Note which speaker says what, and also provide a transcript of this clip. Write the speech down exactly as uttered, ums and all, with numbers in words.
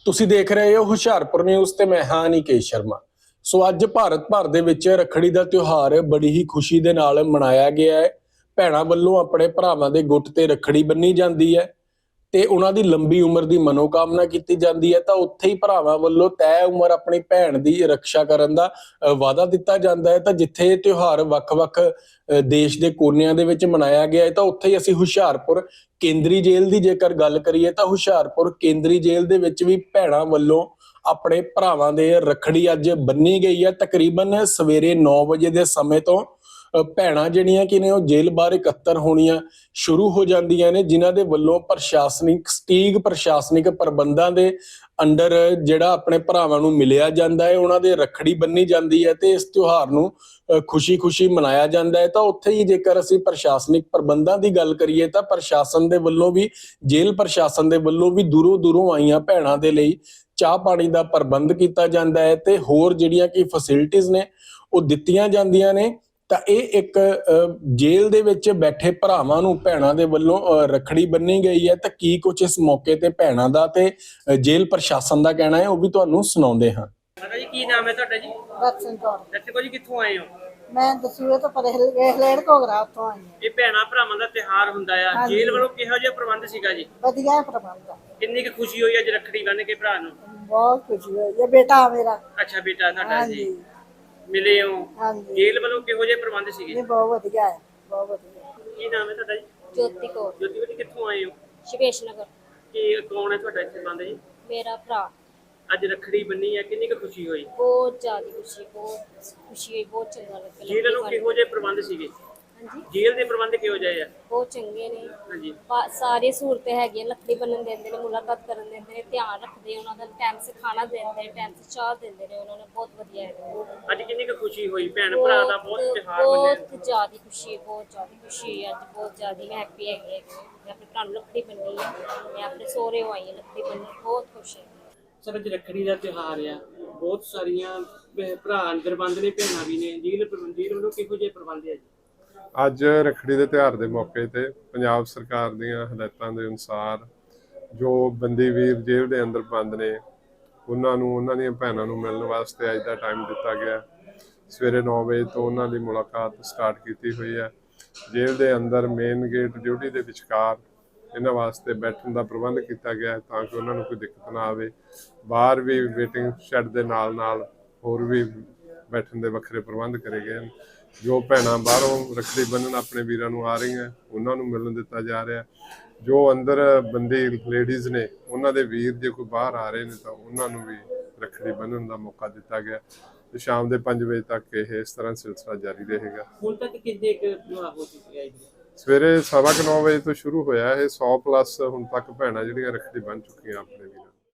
Speaker 1: ਤੁਸੀਂ ਦੇਖ ਰਹੇ ਹੋ ਹੁਸ਼ਿਆਰਪੁਰ ਨਿਊਜ਼ ਤੇ ਮੈਂ ਹਾਂ ਨਿਕੇਸ਼ ਸ਼ਰਮਾ। ਸੋ ਅੱਜ ਭਾਰਤ ਭਰ ਦੇ ਵਿੱਚ ਰੱਖੜੀ ਦਾ ਤਿਉਹਾਰ ਬੜੀ ਹੀ ਖੁਸ਼ੀ ਦੇ ਨਾਲ ਮਨਾਇਆ ਗਿਆ ਹੈ। ਭੈਣਾਂ ਵੱਲੋਂ ਆਪਣੇ ਭਰਾਵਾਂ ਦੇ ਗੁੱਟ ਤੇ ਰੱਖੜੀ ਬੰਨੀ ਜਾਂਦੀ ਹੈ ਤੇ ਉਹਨਾਂ ਦੀ ਲੰਬੀ ਉਮਰ ਦੀ ਮਨੋਕਾਮਨਾ ਕੀਤੀ ਜਾਂਦੀ ਹੈ। ਤਾਂ ਉੱਥੇ ਹੀ ਭਰਾਵਾਂ ਵੱਲੋਂ ਤੈਅ ਉਮਰ ਆਪਣੀ ਭੈਣ ਦੀ ਰੱਖਿਆ ਕਰਨ ਦਾ ਅ, ਵਾਅਦਾ ਦਿੱਤਾ ਜਾਂਦਾ ਹੈ। ਤਾਂ ਜਿੱਥੇ ਇਹ ਤਿਉਹਾਰ ਵੱਖ-ਵੱਖ ਅ, ਦੇਸ਼ ਦੇ ਕੋਨਿਆਂ ਦੇ ਵਿੱਚ ਮਨਾਇਆ ਗਿਆ ਹੈ, ਤਾਂ ਉੱਥੇ ਹੀ ਅਸੀਂ ਹੁਸ਼ਿਆਰਪੁਰ ਕੇਂਦਰੀ ਜੇਲ੍ਹ ਦੀ ਜੇਕਰ ਗੱਲ ਕਰੀਏ ਤਾਂ ਹੁਸ਼ਿਆਰਪੁਰ ਕੇਂਦਰੀ ਜੇਲ੍ਹ ਦੇ ਵਿੱਚ ਵੀ ਭੈਣਾਂ ਵੱਲੋਂ ਆਪਣੇ ਭਰਾਵਾਂ ਦੇ ਰੱਖੜੀ ਅੱਜ ਬੰਨੀ ਗਈ ਹੈ। ਤਕਰੀਬਨ ਸਵੇਰੇ ਨੌ ਵਜੇ ਦੇ ਸਮੇਂ ਤੋਂ ਅ, ਭੈਣਾਂ ਜਿਹੜੀਆਂ ਕਿ ਨੇ ਉਹ ਜੇਲ੍ਹ ਬਾਹਰ ਇਕੱਤਰ ਹੋਣੀਆਂ ਸ਼ੁਰੂ ਹੋ ਜਾਂਦੀਆਂ ਨੇ, ਜਿਨ੍ਹਾਂ ਦੇ ਵੱਲੋਂ ਪ੍ਰਸ਼ਾਸਨਿਕ ਸਟੀਗ ਪ੍ਰਸ਼ਾਸਨਿਕ ਪ੍ਰਬੰਧਾਂ ਦੇ ਅੰਡਰ ਜਿਹੜਾ ਆਪਣੇ ਭਰਾਵਾਂ ਨੂੰ ਮਿਲਿਆ ਜਾਂਦਾ ਹੈ, ਉਹਨਾਂ ਦੇ ਰੱਖੜੀ ਬੰਨੀ ਜਾਂਦੀ ਹੈ ਤੇ ਇਸ ਤਿਉਹਾਰ ਨੂੰ ਖੁਸ਼ੀ-ਖੁਸ਼ੀ ਮਨਾਇਆ ਜਾਂਦਾ ਹੈ। ਤਾਂ ਉੱਥੇ ਹੀ ਜੇਕਰ ਅਸੀਂ ਪ੍ਰਸ਼ਾਸਨਿਕ ਪ੍ਰਬੰਧਾਂ ਦੀ ਗੱਲ ਕਰੀਏ ਤਾਂ ਪ੍ਰਸ਼ਾਸਨ ਦੇ ਵੱਲੋਂ ਵੀ ਜੇਲ੍ਹ ਪ੍ਰਸ਼ਾਸਨ ਦੇ ਵੱਲੋਂ ਵੀ ਦੂਰੋਂ ਦੂਰੋਂ ਆਈਆਂ ਭੈਣਾਂ ਦੇ ਲਈ ਚਾਹ ਪਾਣੀ ਦਾ ਪ੍ਰਬੰਧ ਕੀਤਾ ਜਾਂਦਾ ਹੈ ਤੇ ਹੋਰ ਜਿਹੜੀਆਂ ਕਿ ਫੈਸਿਲਿਟੀਆਂ ਨੇ ਉਹ ਦਿੱਤੀਆਂ ਜਾਂਦੀਆਂ ਨੇ। ਤਾਂ ਇਹ ਇੱਕ ਜੇਲ੍ਹ ਦੇ ਵਿੱਚ ਬੈਠੇ ਭਰਾਵਾਂ ਨੂੰ ਭੈਣਾਂ ਦੇ ਵੱਲੋਂ ਰੱਖੜੀ ਬੰਨੀ ਗਈ ਹੈ। ਤਾਂ ਕੀ ਕੁਝ ਇਸ ਮੌਕੇ ਤੇ ਭੈਣਾਂ ਦਾ ਤੇ ਜੇਲ੍ਹ ਪ੍ਰਸ਼ਾਸਨ ਦਾ ਕਹਿਣਾ ਹੈ ਉਹ ਵੀ ਤੁਹਾਨੂੰ ਸੁਣਾਉਂਦੇ ਹਾਂ।
Speaker 2: ਮਾਤਾ ਜੀ ਕੀ ਨਾਮ ਹੈ ਤੁਹਾਡਾ ਜੀ?
Speaker 3: ਦਰਸ਼ਨ ਕੌਰ।
Speaker 2: ਦਰਸ਼ਨ ਕੌਰ ਜੀ ਕਿੱਥੋਂ ਆਏ ਹੋ?
Speaker 3: ਮੈਂ ਦਸੂਏ ਤੋਂ ਪਰੇ ਹਲੇੜ ਘੋਗਰਾ ਉੱਥੋਂ ਆਈ ਹਾਂ।
Speaker 2: ਇਹ ਭੈਣਾਂ ਭਰਾਵਾਂ ਦਾ ਤਿਉਹਾਰ ਹੁੰਦਾ ਆ, ਜੇਲ੍ਹ ਵੱਲੋਂ ਕਿਹੋ ਜਿਹਾ ਪ੍ਰਬੰਧ ਸੀਗਾ ਜੀ?
Speaker 3: ਵਧੀਆ ਪ੍ਰਬੰਧ ਆ।
Speaker 2: ਕਿੰਨੀ ਕੁ ਖੁਸ਼ੀ ਹੋਈ ਅੱਜ ਰੱਖੜੀ ਬੰਨ ਕੇ ਭਰਾ ਨੂੰ?
Speaker 3: ਬਹੁਤ ਖੁਸ਼ੀ ਹੋਈ। ਇਹ ਬੇਟਾ ਮੇਰਾ।
Speaker 2: ਅੱਛਾ ਬੇਟਾ ਤੁਹਾਡਾ ਜੀ,
Speaker 3: ਹਾਂਜੀ
Speaker 2: ਮਿਲੇ ਹੋ?
Speaker 3: ਹਾਂਜੀ।
Speaker 2: ਜੇਲ੍ਹ ਵੱਲੋਂ ਕਿਹੋ ਜਿਹੇ ਪ੍ਰਬੰਧ ਸੀਗੇ?
Speaker 3: ਇਹ ਬਹੁਤ ਵਧੀਆ ਹੈ, ਬਹੁਤ ਵਧੀਆ।
Speaker 2: ਕੀ ਨਾਮ ਹੈ ਤੁਹਾਡਾ ਜੀ?
Speaker 4: ਜੋਤੀ ਕੌਰ।
Speaker 2: ਜੋਤੀ ਬੇਟੀ ਕਿੱਥੋਂ ਆਏ ਹੋ?
Speaker 4: ਸ਼ਿਵੇਸ਼ ਨਗਰ।
Speaker 2: ਕੀ ਕੌਣ ਹੈ ਤੁਹਾਡਾ ਇੱਥੇ ਬੰਦ ਜੀ?
Speaker 4: ਮੇਰਾ ਭਰਾ।
Speaker 2: ਅੱਜ ਰੱਖੜੀ ਬੰਨੀ ਹੈ, ਕਿੰਨੀ ਕੁ ਖੁਸ਼ੀ ਹੋਈ?
Speaker 4: ਬਹੁਤ ਜ਼ਿਆਦਾ ਖੁਸ਼ੀ, ਬਹੁਤ ਖੁਸ਼ੀ ਹੋਈ, ਬਹੁਤ ਚੰਗਾ ਲੱਗਾ।
Speaker 2: ਜੇਲ੍ਹ ਵੱਲੋਂ ਕਿਹੋ ਜਿਹੇ ਪ੍ਰਬੰਧ ਸੀਗੇ?
Speaker 4: ਹਾਂਜੀ
Speaker 2: ਜੇਲ੍ਹ ਦੇ ਪ੍ਰਬੰਧ ਕਿਹੋ ਜਿਹੇ ਆ?
Speaker 4: ਬਹੁਤ ਚੰਗੇ ਨੇ।
Speaker 2: ਹਾਂਜੀ
Speaker 4: ਬਾ- ਸਾਰੀ ਸਹੂਲਤਾਂ ਹੈਗੀਆਂ, ਲੱਕੜੀ ਬੰਨਣ ਦਿੰਦੇ ਨੇ, ਮੁਲਾਕਾਤ ਕਰਨ ਦਿੰਦੇ ਨੇ, ਧਿਆਨ ਰੱਖਦੇ ਉਹਨਾਂ ਦਾ, ਟਾਈਮ ਸੇ ਖਾਣਾ ਦਿੰਦੇ ਨੇ, ਟਾਈਮ ਸੇ ਚਾਹ ਦਿੰਦੇ ਨੇ, ਉਹਨਾਂ ਨੇ ਬਹੁਤ ਵਧੀਆ ਹੈ।
Speaker 2: ਅੱਜ ਕਿੰਨੀ ਕੁ ਖੁਸ਼ੀ ਹੋਈ? ਭੈਣ ਭਰਾ ਦਾ ਬਹੁਤ ਤਿਉਹਾਰ ਮੰਨਿਆ।
Speaker 4: ਬਹੁਤ ਜ਼ਿਆਦਾ ਖੁਸ਼ੀ, ਬਹੁਤ ਜ਼ਿਆਦਾ ਖੁਸ਼ੀ ਹੈ ਅੱਜ, ਬਹੁਤ ਜ਼ਿਆਦਾ ਮੈਂ ਹੈਪੀ ਹੈਗੀ ਹਾਂ। ਮੈਂ ਆਪਣੇ ਭਰਾ ਨੂੰ ਲੱਕੜੀ ਬੰਨੀ ਹੈ, ਮੈਂ ਆਪਣੇ ਸਹੁਰੇ ਆਈ ਹਾਂ ਲੱਕੜੀ ਬੰਨਣ, ਬਹੁਤ ਖੁਸ਼ ਹਾਂ।
Speaker 2: ਸਰ ਅੱਜ ਰੱਖੜੀ ਦਾ ਤਿਉਹਾਰ ਆ, ਬਹੁਤ ਸਾਰੀਆਂ ਭਰਾ ਅੰਦਰ ਬੰਦ ਨੇ, ਭੈਣਾਂ ਵੀ ਨੇ, ਜੇਲ੍ਹ ਪ੍ਰਬੰਧੀ ਵੱਲੋਂ ਕਿਹੋ ਜਿਹੇ ਪ੍ਰਬੰਧ ਆ ਜੀ?
Speaker 5: ਅੱਜ ਰੱਖੜੀ ਦੇ ਤਿਉਹਾਰ ਦੇ ਮੌਕੇ ਤੇ ਪੰਜਾਬ ਸਰਕਾਰ ਦੀਆਂ ਹਦਾਇਤਾਂ ਦੇ ਅਨੁਸਾਰ ਜੋ ਬੰਦੀ ਵੀਰ ਜੇਲ੍ਹ ਦੇ ਅੰਦਰ ਬੰਦ ਨੇ ਉਹਨਾਂ ਨੂੰ ਉਹਨਾਂ ਦੀਆਂ ਭੈਣਾਂ ਨੂੰ ਮਿਲਣ ਵਾਸਤੇ ਅੱਜ ਦਾ ਟਾਈਮ ਦਿੱਤਾ ਗਿਆ। ਸਵੇਰੇ ਨੌ ਵਜੇ ਤੋਂ ਉਹਨਾਂ ਦੀ ਮੁਲਾਕਾਤ ਸਟਾਰਟ ਕੀਤੀ ਹੋਈ ਹੈ। ਜੇਲ੍ਹ ਦੇ ਅੰਦਰ ਮੇਨ ਗੇਟ ਡਿਊਟੀ ਦੇ ਵਿਚਕਾਰ ਇਹਨਾਂ ਵਾਸਤੇ ਬੈਠਣ ਦਾ ਪ੍ਰਬੰਧ ਕੀਤਾ ਗਿਆ ਤਾਂ ਕਿ ਉਹਨਾਂ ਨੂੰ ਕੋਈ ਦਿੱਕਤ ਨਾ ਆਵੇ। ਬਾਹਰ ਵੀ ਵੇਟਿੰਗ ਸ਼ੈੱਡ ਦੇ ਨਾਲ ਨਾਲ ਹੋਰ ਵੀ ਬੈਠਣ ਦੇ ਵੱਖਰੇ ਪ੍ਰਬੰਧ ਕਰੇ ਗਏ ਹਨ। ਜੋ ਭੈਣਾਂ ਬਾਹਰੋਂ ਰੱਖੜੀ ਬੰਨ੍ਹਣ ਆਪਣੇ ਵੀਰਾਂ ਨੂੰ ਆ ਰਹੀਆਂ ਉਹਨਾਂ ਨੂੰ ਮਿਲਣ ਦਿੱਤਾ ਜਾ ਰਿਹਾ। ਜੋ ਅੰਦਰ ਬੰਦੀ ਲੇਡੀਜ਼ ਨੇ ਉਹਨਾਂ ਦੇ ਵੀਰ ਜੇ ਕੋਈ ਬਾਹਰ ਆ ਰਹੇ ਨੇ ਤਾਂ ਉਹਨਾਂ ਨੂੰ ਵੀ ਰੱਖੜੀ ਬੰਨ੍ਹਣ ਦਾ ਮੌਕਾ ਦਿੱਤਾ ਗਿਆ ਤੇ ਸ਼ਾਮ ਦੇ ਪੰਜ ਵਜੇ ਤੱਕ ਇਹ ਇਸ ਤਰ੍ਹਾਂ ਸਿਲਸਿਲਾ ਜਾਰੀ ਰਹੇਗਾ।
Speaker 2: ਹੁਣ ਤੱਕ ਕਿੰਨੇ ਕੁ ਵਿਆਹ ਹੋ ਚੁੱਕੇ ਆ ਜੀ?
Speaker 5: ਸਵੇਰੇ ਸਵਾ ਕੁ ਨੌ ਵਜੇ ਤੋਂ ਸ਼ੁਰੂ ਹੋਇਆ ਇਹ। ਸੌ ਪਲੱਸ ਹੁਣ ਤੱਕ ਭੈਣਾਂ ਜਿਹੜੀਆਂ ਰੱਖੜੀ ਬੰਨ੍ਹ ਚੁੱਕੀਆਂ ਆਪਣੇ ਵੀਰਾਂ।